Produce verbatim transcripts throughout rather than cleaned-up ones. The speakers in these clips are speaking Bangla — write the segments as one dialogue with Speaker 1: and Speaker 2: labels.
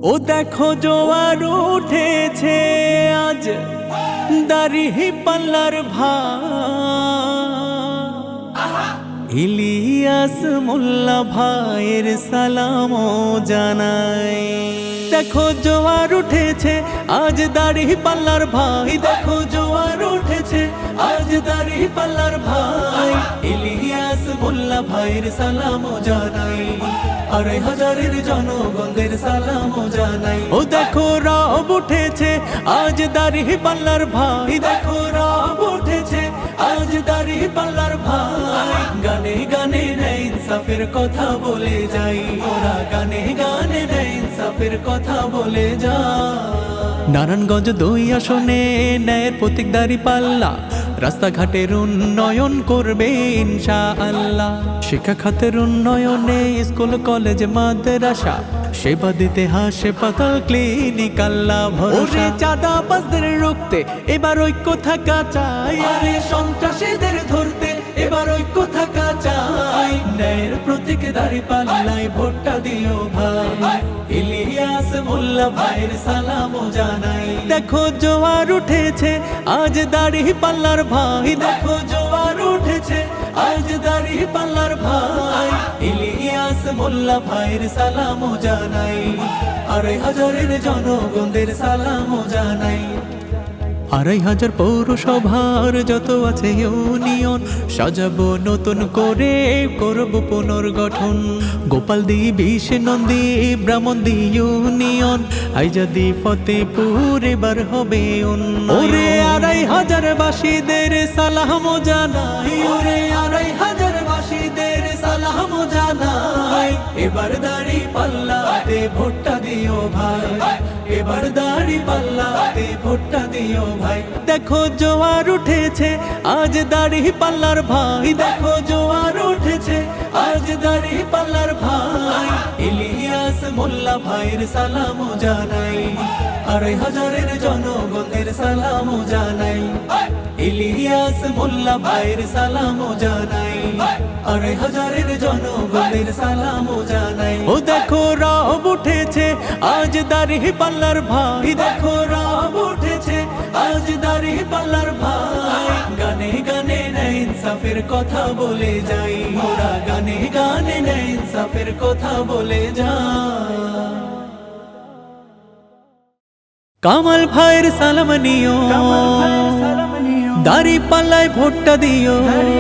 Speaker 1: ও দেখো জোয়ার উঠেছে আজ দাড়ি পাল্লার ভাই ইলিয়াস মোল্লা ভাইয়ের সালাম জানাই। দেখো জোয়ার উঠেছে আজ দাড়ি পাল্লার ভাই, দেখো জোয়ার উঠেছে আজ দাড়ি পাল্লার ভাই ইলিয়াস মোল্লা ভাইয়ের সালাম জানাই। আড়াই হাজারের জনগণদের সালাম জানাই। ও দেখো রব উঠেছে আজ দাড়ি পাল্লার ভাই, দেখো রব উঠেছে আজ দাড়ি পাল্লার ভাই গানে গানে নেই ইনসাফের কথা বলে যাই, ওরা গানে গানে নেই ইনসাফের কথা বলে যায়। নারায়ণগঞ্জ দুই আসনে ন্যায়ের প্রতীক দাড়ি পাল্লা রাস্তাঘাটের উন্নয়ন করবে ইনশাআল্লাহ। শিক্ষা খাতের উন্নয়নে স্কুল কলেজ মাদ্রাসা সেবা দিতে হাসপাতাল ক্লিনিক আল্লাহ ভরসা। চাঁদাবাজদের রুখতে এবার ঐক্য থাকা চাই, আরে সন্ত্রাসীদের ধরতে এবার ঐক্য থাকা চাই। ন্যায়ের প্রতীক দাড়ি পাল্লায় ভোটটা দিও ভাই, ইলিয়াস মোল্লা ভাইয়ের সালাম জানাই। দেখো জোয়ার উঠেছে আজ দাড়ি পাল্লার ভাই, দেখো জোয়ার উঠেছে আজ দাড়ি পাল্লার ভাই ইলিয়াস মোল্লা ভাইয়ের সালাম জানাই। আড়াই হাজারের জনগণদের সালাম জানাই। আড়াই হাজার পৌরসভার যত আছে ইউনিয়ন সাজাবো নতুন করে, করব পুনর্গঠন। গোপালদি বিশ নন্দী ব্রাহ্মণদি ইউনিয়ন আইজাদি ফতেপুর এবার হবে উন্নয়ন। আড়াই হাজার বাসীদের সালাম জানাই, ওরে আড়াই হাজার বাসীদের সালাম জানাই। এবার দাড়ি পাল্লাতে ভোটটা দিও ভাই, এবার দাড়ি পাল্লাতে ভোটটা দিও ভাই। দেখো জোয়ার উঠেছে আজ দাড়ি পাল্লার ভাই, দেখো জোয়ার উঠেছে আজ দাড়ি পাল্লার ভাই ইলিয়াস মোল্লা ভাইয়ের সালাম জানাই। আড়াই হাজারের জনগণের সালাম জানাই, ইলিয়াস মোল্লা ভাইয়ের সালাম জানাই। আড়াই হাজারের জনগণের সালাম জানাই। ও দেখো রব উঠেছে আজ দাড়ি পাল্লার ভাই, দেখো রব উঠেছে আজ দাড়ি পাল্লার ভাই গানে গানে নেই ইনসাফের কথা বলে যাই, ওরা গানে গানে নেই ইনসাফের কথা বলে যায়। কামাল ভাইয়ের সালাম নিও, দাড়ি পাল্লায় ভোটটা দিও।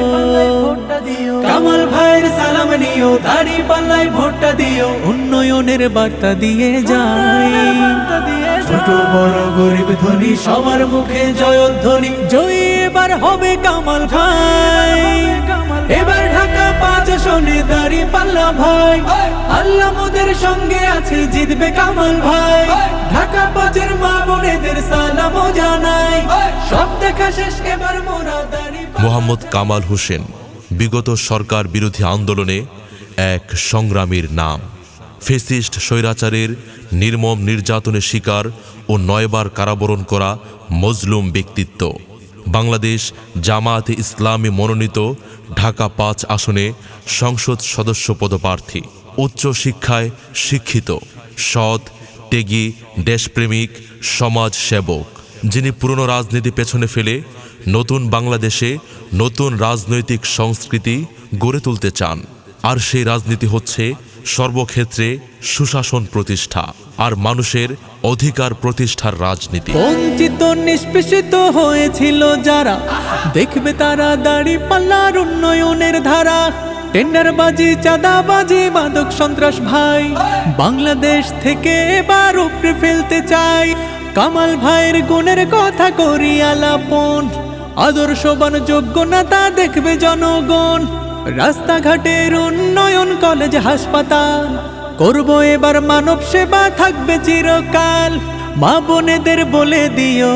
Speaker 1: কামাল ভাইয়ের সালাম নিও, দাড়ি পাল্লায় ভোটটা দিও। উন্নয়নের বার্তা দিয়ে যায়, ছোট বড় গরিব ধনী সবার মুখে জয়ধ্বনি। জয় এবার হবে কামাল ভাই, এবার ঢাকা পাঁচ আসনে দাড়ি পাল্লা ভাই। আল্লাহ মোদের সঙ্গে আছে, জিতবে কামাল ভাই। ঢাকা পাঁচের মা বোনেদের সালাম জানাই। সব দেখা শেষ এবার মোরা দাড়ি।
Speaker 2: মোহাম্মদ কামাল হোসেন বিগত সরকার বিরোধী আন্দোলনে এক সংগ্রামীর নাম। ফেসিস্ট স্বৈরাচারের নির্মম নির্যাতনের শিকার ও নয়বার কারাবরণ করা মজলুম ব্যক্তিত্ব। বাংলাদেশ জামায়াতে ইসলামী মনোনীত ঢাকা পাঁচ আসনে সংসদ সদস্য পদপ্রার্থী। উচ্চ শিক্ষায় শিক্ষিত, সৎ, ত্যাগী, দেশপ্রেমিক, সমাজ সেবক, যিনি পুরনো রাজনীতি পেছনে ফেলে নতুন বাংলাদেশে নতুন রাজনৈতিক সংস্কৃতি গড়ে তুলতে চান। আর সেই রাজনীতি হচ্ছে সর্বক্ষেত্রে সুশাসন প্রতিষ্ঠা আর মানুষের অধিকার প্রতিষ্ঠার রাজনীতি।
Speaker 1: বঞ্চিত নিষ্পেষিত হয়েছিল যারা, দেখবে তারা দাড়ি পাল্লার উন্নয়নের ধারা। টেন্ডারবাজি, চাঁদাবাজি, মাদক সন্ত্রাস ভাই বাংলাদেশ থেকে এবার উপড়ে ফেলতে চাই। কামাল ভাইয়ের গুণের কথা করি আলাপন, আদর্শবান যোগ্য নেতা দেখবে জনগণ। রাস্তাঘাটের উন্নয়ন, কলেজ হাসপাতাল করব এবার মানব সেবা, থাকবে চিরকাল। মা বোনেদের বলে দিও,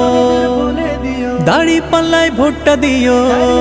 Speaker 1: দাড়ি পাল্লায় ভোটটা দিও।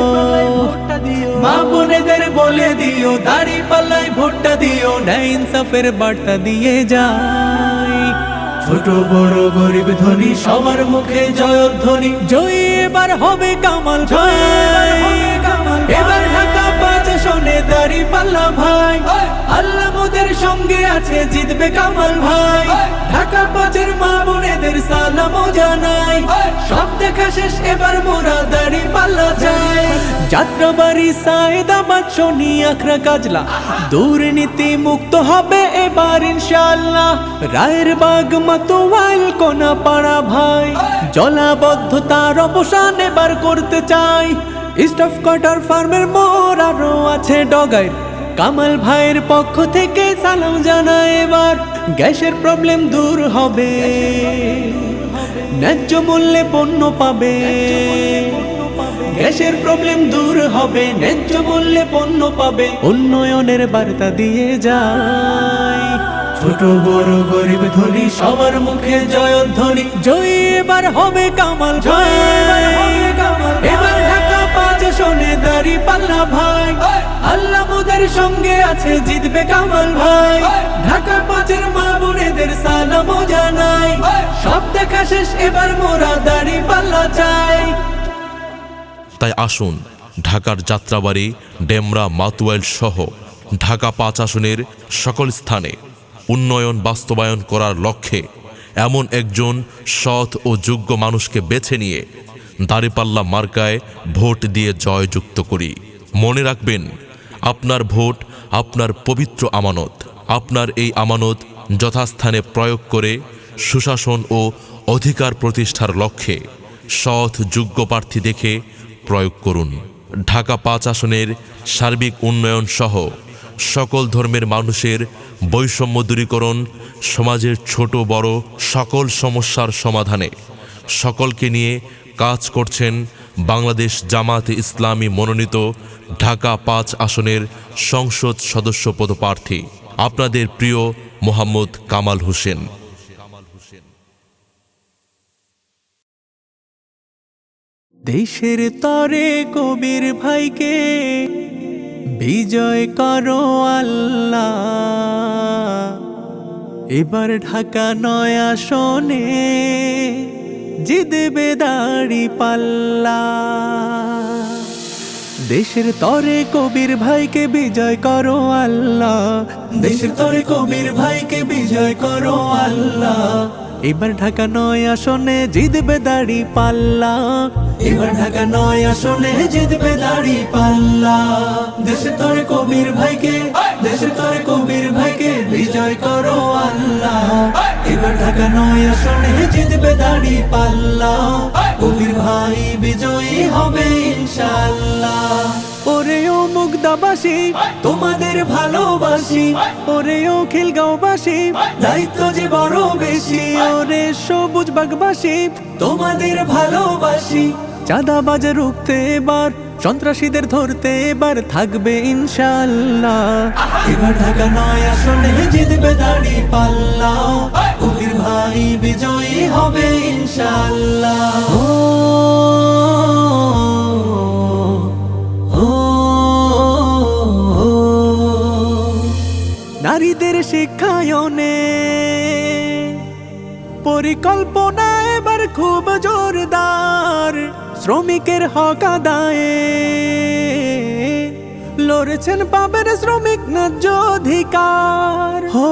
Speaker 1: মা বোনেদের বলে দিও, দাড়ি পাল্লায় ভোটটা দিও। ন্যায় ইনসাফের বার্তা দিয়ে যায়, ছোট বড় গরিব ধনী সবার মুখে জয়ধ্বনি। জয় এবার হবে কামাল ভাই, এবার ঢাকা পাঁচ আসনে দাড়ি পাল্লা ভাই। আল্লাহ মোদের সঙ্গে আছে জিতবে কামাল ভাই। ঢাকা পাঁচের মা বোনেদের সালামও জানাই, সব দেখা শেষ এবার মোরা দাড়ি পাল্লা চাই। যাত্রাবাড়ি সায়েদাবাদ শনি আখড়া কাজলা দুর্নীতি মুক্ত হবে এবার ইনশাআল্লাহ। রায়ের বাগ মাতোয়াল কোনা পাড়া ভাই, জলাবদ্ধতার অবসান এবার করতে চাই। স্টাফ কোয়ার্টার ফার্মের মোড় আরো আছে ডগাইর, কামাল ভাইয়ের পক্ষ থেকে সালাম জানাই এবার। গ্যাসের প্রবলেম দূর হবে, ন্যায্য মূল্যে পণ্য পাবে। গ্যাসের প্রবলেম দূর হবে, ন্যায্য মূল্যে পণ্য পাবে। উন্নয়নের বার্তা দিয়ে যায়, ছোট বড় গরিব ধনী সবার মুখে জয়ধ্বনি। জয় এবার হবে কামাল ভাই, এবার ঢাকা পাঁচ শোনে দাড়ি পাল্লা ভাই। আল্লাহ মোদের সঙ্গে আছে জিতবে কামাল ভাই। ঢাকা পাঁচের মা বোনেদের সালামও জানাই, সব দেখা শেষ এবার মোরা দাড়ি পাল্লা চাই।
Speaker 2: তাই আসুন ঢাকার যাত্রাবাড়ি, ডেমরা, মাতুয়াইল সহ ঢাকা পাঁচ আসনের সকল স্থানে উন্নয়ন বাস্তবায়ন করার লক্ষ্যে এমন একজন সৎ ও যোগ্য মানুষকে বেছে নিয়ে দাঁড়িপাল্লা মার্কায় ভোট দিয়ে জয়যুক্ত করি। মনে রাখবেন, আপনার ভোট আপনার পবিত্র আমানত। আপনার এই আমানত যথাস্থানে প্রয়োগ করে সুশাসন ও অধিকার প্রতিষ্ঠার লক্ষ্যে সৎ যোগ্য প্রার্থী দেখে প্রয়োগ করুন। ঢাকা পাঁচ আসনের সার্বিক উন্নয়ন সহ সকল ধর্মের মানুষের বৈষম্য দূরীকরণ, সমাজের ছোট বড় সকল সমস্যার সমাধানে সকলকে নিয়ে কাজ করছেন বাংলাদেশ জামাতে ইসলামী মনোনীত ঢাকা পাঁচ আসনের সংসদ সদস্য পদপ্রার্থী আপনাদের প্রিয় মোহাম্মদ কামাল হোসেন।
Speaker 1: দেশের তরে কবির ভাইকে বিজয় করো আল্লাহ। এবার ঢাকা নয় আসনে জিতবে দাড়ি পাল্লা। দেশের তরে কবির ভাইকে বিজয় করো আল্লাহ, দেশের তরে কবির ভাইকে বিজয় করো আল্লাহ। এবার ঢাকা নয় আসনে জিতবে দাড়ি পাল্লা, এবার ঢাকা নয় আসনে জিতবে দাড়ি পাল্লা। দেশের তরে কবির ভাইকে, দেশের তরে কবির ভাইকে বিজয় করো আল্লাহ। এবার ঢাকা নয় আসনে জিতবে দাড়ি পাল্লা, কবির ভাই বিজয়ী হবে ইনশাআল্লাহ। ওরেও মুগদাবাসী তোমাদের ভালোবাসি, ওরেও খিলগাঁওবাসী দায়িত্ব যে বড় বেশি। ওরে সবুজ বাগবাসী তোমাদের ভালোবাসি, চাঁদাবাজ রুখতে এবার, সন্ত্রাসীদের ধরতে এবার থাকবে ইনশাআল্লাহ। এবার ঢাকা নয় আসনে জিতবে দাড়ি পাল্লা, কবির ভাই বিজয়ী হবে ইনশাআল্লাহ। নারীদের শিক্ষায়নে পরিকল্পনা এবার খুব জোরদার, শ্রমিকের হক আদায়ে লড়েছেন পাবেন শ্রমিক ন্যায্য অধিকার। হো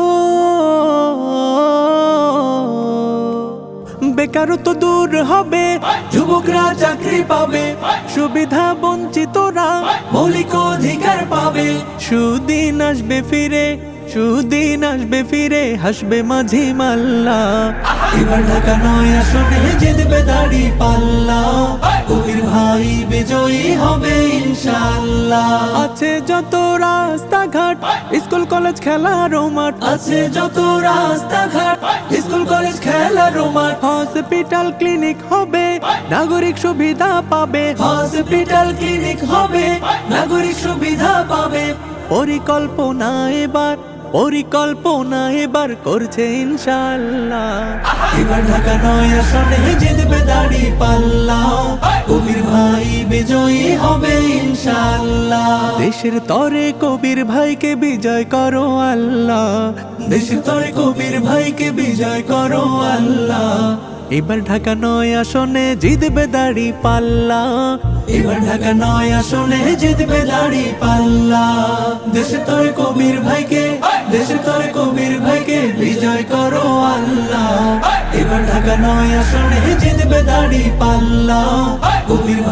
Speaker 1: বেকারত্ব দূর হবে, যুবকরা চাকরি পাবে, সুবিধা বঞ্চিতরা মৌলিক অধিকার পাবে। সুদিন আসবে ফিরে, সুদিন আসবে ফিরে, হাসবে মাঝি মাল্লা। এবার ঢাকা নয় আসনে জিতবে দাড়ি পাল্লা, কবির ভাই বিজয়ী হবে ইনশাআল্লাহ। আছে যত রাস্তাঘাট, স্কুল কলেজ খেলার মাঠ, আছে যত রাস্তাঘাট, স্কুল কলেজ খেলার মাঠ। হসপিটাল ক্লিনিক হবে, নাগরিক সুবিধা পাবে, হসপিটাল ক্লিনিক হবে, নাগরিক সুবিধা পাবে। পরিকল্পনা এবার, পরিকল্পনা এবার করছে ইনশাআল্লাহ। এবার ঢাকা নয় আসনে জিতবে দাড়ি পাল্লা, কবির ভাই বিজয়ী হবে ইনশাআল্লাহ। দেশের তরে কবির ভাইকে বিজয় করো আল্লাহ, দেশের তরে কবির ভাইকে বিজয় করো আল্লাহ। এবার ঢাকা নয় আসনে জিতবে দাড়ি পাল্লা, এবার ঢাকা নয় আসনে জিতবে দাড়ি পাল্লা। দেশে তোর কবির ভাইকে, দেশে তোর কবির ভাইকে বিজয় করো আল্লাহ। এবার ঢাকা নয় আসনে জিতবে দাড়ি পাল্লা, কবির